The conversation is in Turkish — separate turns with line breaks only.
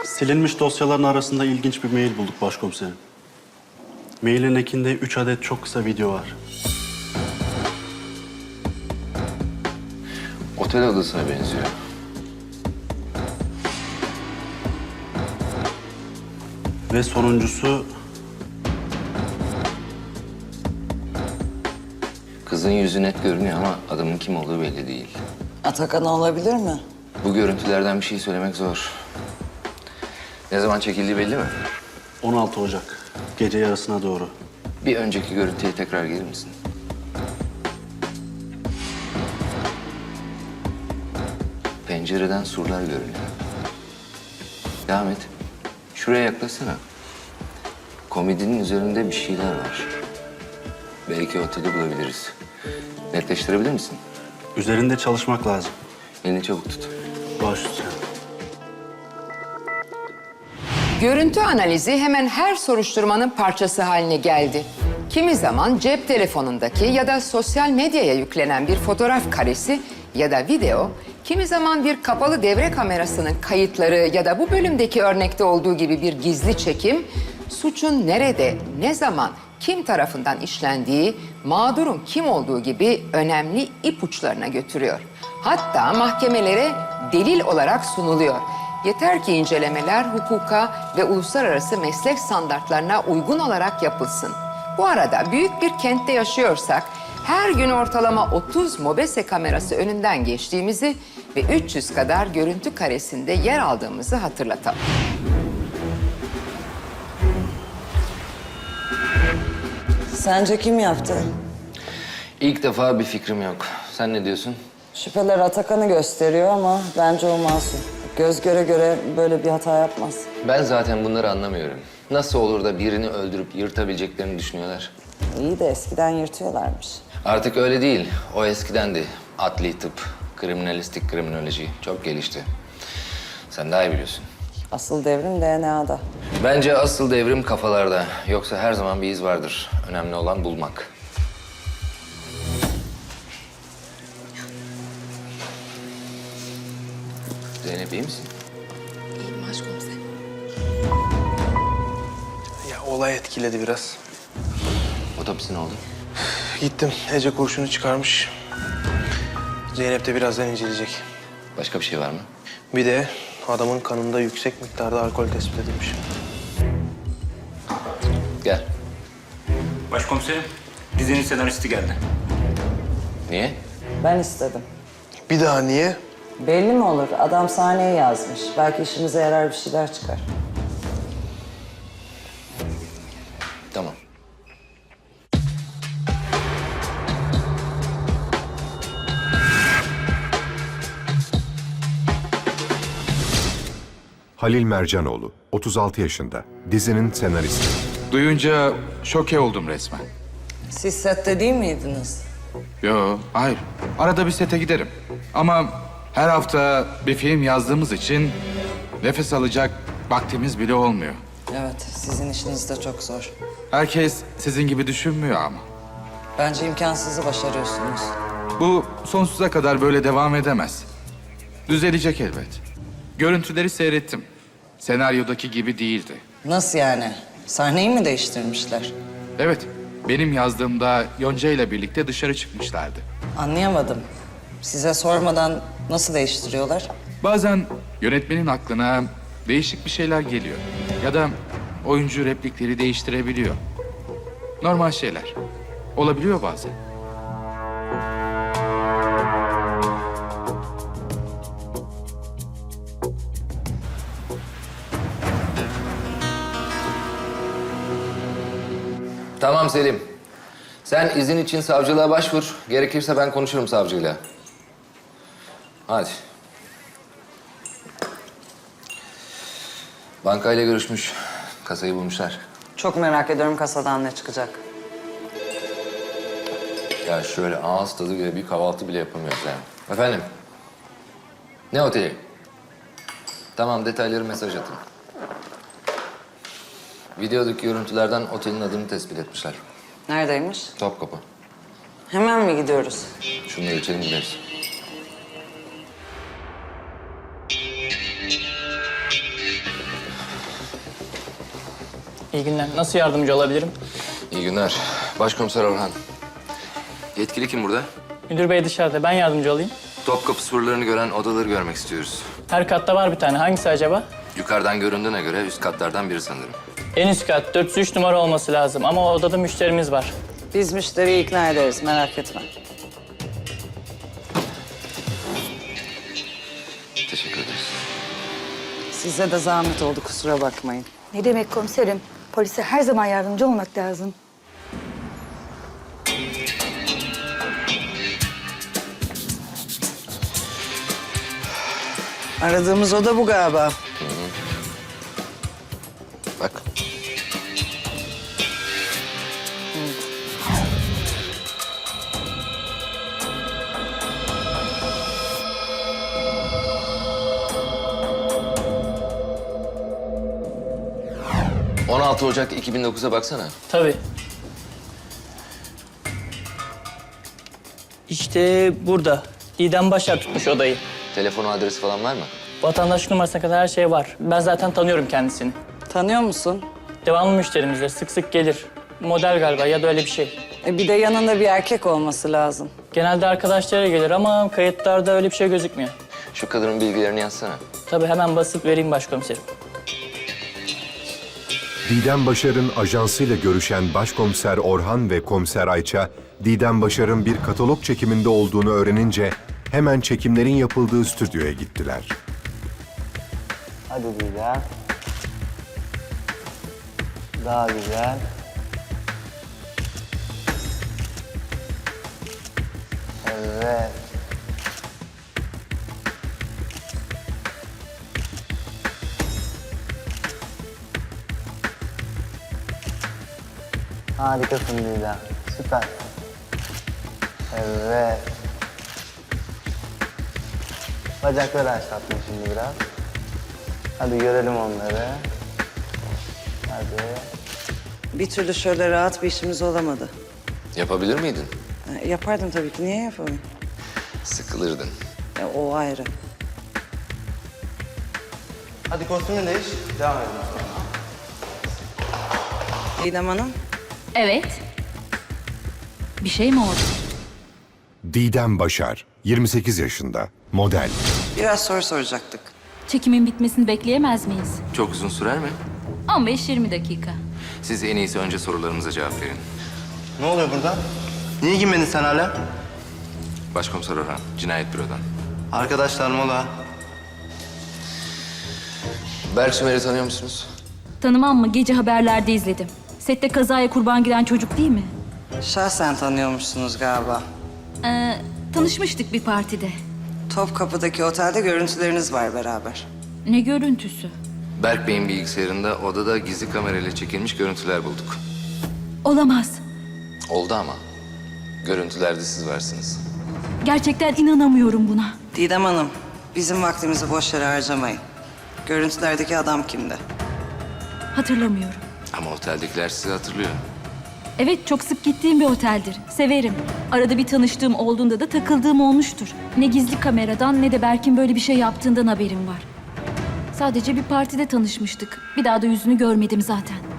Silinmiş dosyaların arasında ilginç bir mail bulduk başkomiserim. Mailin ekinde 3 adet çok kısa video var.
Otel odasına benziyor.
Ve sonuncusu
Kızın yüzü net görünüyor ama adamın kim olduğu belli değil.
Atakan olabilir mi?
Bu görüntülerden bir şey söylemek zor. Ne zaman çekildiği belli mi?
16 Ocak. Gece yarısına doğru.
Bir önceki görüntüye tekrar gelir misin? Pencereden surlar görünüyor. Devam et. Şuraya yaklaşsana. Komodinin üzerinde bir şeyler var. Belki oteli bulabiliriz. Netleştirebilir misin?
Üzerinde çalışmak lazım.
Elini çabuk tut.
Baş üstüne.
Görüntü analizi hemen her soruşturmanın parçası haline geldi. Kimi zaman cep telefonundaki ya da sosyal medyaya yüklenen bir fotoğraf karesi ya da video, kimi zaman bir kapalı devre kamerasının kayıtları ya da bu bölümdeki örnekte olduğu gibi bir gizli çekim, suçun nerede, ne zaman, kim tarafından işlendiği, mağdurun kim olduğu gibi önemli ipuçlarına götürüyor. Hatta mahkemelere delil olarak sunuluyor. Yeter ki incelemeler hukuka ve uluslararası meslek standartlarına uygun olarak yapılsın. Bu arada büyük bir kentte yaşıyorsak her gün ortalama 30 mobese kamerası önünden geçtiğimizi ve 300 kadar görüntü karesinde yer aldığımızı hatırlatalım.
Sence kim yaptı?
İlk defa bir fikrim yok. Sen ne diyorsun?
Şüpheler Atakan'ı gösteriyor ama bence o masum. Göz göre göre böyle bir hata yapmaz.
Ben zaten bunları anlamıyorum. Nasıl olur da birini öldürüp yırtabileceklerini düşünüyorlar?
İyi de eskiden yırtıyorlarmış.
Artık öyle değil. O eskidendi. Adli tıp, kriminalistik kriminoloji çok gelişti. Sen daha iyi biliyorsun.
Asıl devrim DNA'da.
Bence asıl devrim kafalarda. Yoksa her zaman bir iz vardır. Önemli olan bulmak. Zeynep iyi misin?
İyiyim başkomiserim.
Ya olay etkiledi biraz.
Otopsi ne oldu?
Gittim, Ece kurşunu çıkarmış. Zeynep de birazdan inceleyecek.
Başka bir şey var mı?
Bir de adamın kanında yüksek miktarda alkol tespit edilmiş.
Gel.
Başkomiserim, dizinin senaristi geldi.
Niye?
Ben istedim.
Bir daha niye?
Belli mi olur? Adam sahneye yazmış. Belki işimize yarar bir şeyler çıkar.
Tamam.
Halil Mercanoğlu, 36 yaşında, dizinin senaristi.
Duyunca şoke oldum resmen.
Siz sette değil miydiniz?
Yo, hayır. Arada bir sete giderim. Ama her hafta bir film yazdığımız için nefes alacak vaktimiz bile olmuyor.
Evet, sizin işiniz de çok zor.
Herkes sizin gibi düşünmüyor ama.
Bence imkansızı başarıyorsunuz.
Bu sonsuza kadar böyle devam edemez. Düzelecek elbet. Görüntüleri seyrettim. Senaryodaki gibi değildi.
Nasıl yani? Sahneyi mi değiştirmişler?
Evet, benim yazdığımda Yonca ile birlikte dışarı çıkmışlardı.
Anlayamadım. Size sormadan nasıl değiştiriyorlar?
Bazen yönetmenin aklına değişik bir şeyler geliyor. Ya da oyuncu replikleri değiştirebiliyor. Normal şeyler. Olabiliyor bazen.
Tamam Selim. Sen izin için savcılığa başvur. Gerekirse ben konuşurum savcıyla. Hadi. Bankayla görüşmüş. Kasayı bulmuşlar.
Çok merak ediyorum kasadan ne çıkacak.
Ya şöyle ağız tadı bile bir kahvaltı bile yapamıyoruz yani. Efendim? Ne oteli? Tamam detayları mesaj atın. Videodaki görüntülerden otelin adını tespit etmişler.
Neredeymiş?
Topkapı.
Hemen mi gidiyoruz?
Şunları içelim gideriz.
İyi günler. Nasıl yardımcı olabilirim?
İyi günler. Başkomiser Orhan. Yetkili kim burada?
Müdür bey dışarıda. Ben yardımcı olayım.
Topkapı surlarını gören odaları görmek istiyoruz.
Her katta var bir tane. Hangisi acaba?
Yukarıdan göründüğüne göre üst katlardan biri sanırım.
En üst kat 403 numara olması lazım ama o odada müşterimiz var.
Biz müşteriyi ikna ederiz, merak etme.
Teşekkür ederiz.
Size de zahmet oldu, kusura bakmayın.
Ne demek komiserim? Polise her zaman yardımcı olmak lazım.
Aradığımız oda bu galiba.
Bak. ...16 Ocak 2009'a baksana.
Tabii. İşte burada. Didem Başar tutmuş odayı.
Telefonu adresi falan var mı?
Vatandaşlık numarasına kadar her şey var. Ben zaten tanıyorum kendisini.
Tanıyor musun?
Devamlı müşterimizdir. Sık sık gelir. Model galiba ya da öyle bir şey.
Bir de yanında bir erkek olması lazım.
Genelde arkadaşlara gelir ama kayıtlarda öyle bir şey gözükmüyor.
Şu kadının bilgilerini yazsana.
Tabii hemen basıp vereyim başkomiserim.
Didem Başar'ın ajansıyla görüşen Başkomiser Orhan ve Komiser Ayça, Didem Başar'ın bir katalog çekiminde olduğunu öğrenince hemen çekimlerin yapıldığı stüdyoya gittiler.
Hadi Didem. Daha güzel. Evet. Harikasın Didem. Süper. Evet. Bacakları aç tatlım şimdi biraz. Hadi görelim onları. Hadi.
Bir türlü şöyle rahat bir işimiz olamadı.
Yapabilir miydin?
Yapardım tabii ki, niye yapalım?
Sıkılırdın.
O ayrı.
Hadi kostümünü değiş. Devam edelim.
Didem Hanım,
Evet. Bir şey mi oldu?
Didem Başar, 28 yaşında, model.
biraz soru soracaktık.
Çekimin bitmesini bekleyemez miyiz?
Çok uzun sürer mi?
15-20 dakika.
Siz en iyisi önce sorularımıza cevap verin.
Ne oluyor burada? Niye girmedin sen hala?
Başkomiser Orhan, Cinayet Büro'dan.
Arkadaşlar mola.
Berk Sümer'i tanıyor musunuz?
Tanımam mı? Gece haberlerde izledim. Sette kazaya kurban giden çocuk değil mi?
Şahsen tanıyormuşsunuz galiba.
Tanışmıştık bir partide.
Topkapı'daki otelde görüntüleriniz var beraber.
Ne görüntüsü?
Berk Bey'in bilgisayarında odada gizli kamerayla çekilmiş görüntüler bulduk.
Olamaz.
Oldu ama. Görüntülerde siz varsınız.
Gerçekten inanamıyorum buna.
Didem Hanım, bizim vaktimizi boş yere harcamayın. Görüntülerdeki adam kimdi?
Hatırlamıyorum.
Ama oteldekiler sizi hatırlıyor.
Evet, çok sık gittiğim bir oteldir. Severim. Arada bir tanıştığım olduğunda da takıldığım olmuştur. Ne gizli kameradan ne de Berk'in böyle bir şey yaptığından haberim var. Sadece bir partide tanışmıştık. Bir daha da yüzünü görmedim zaten.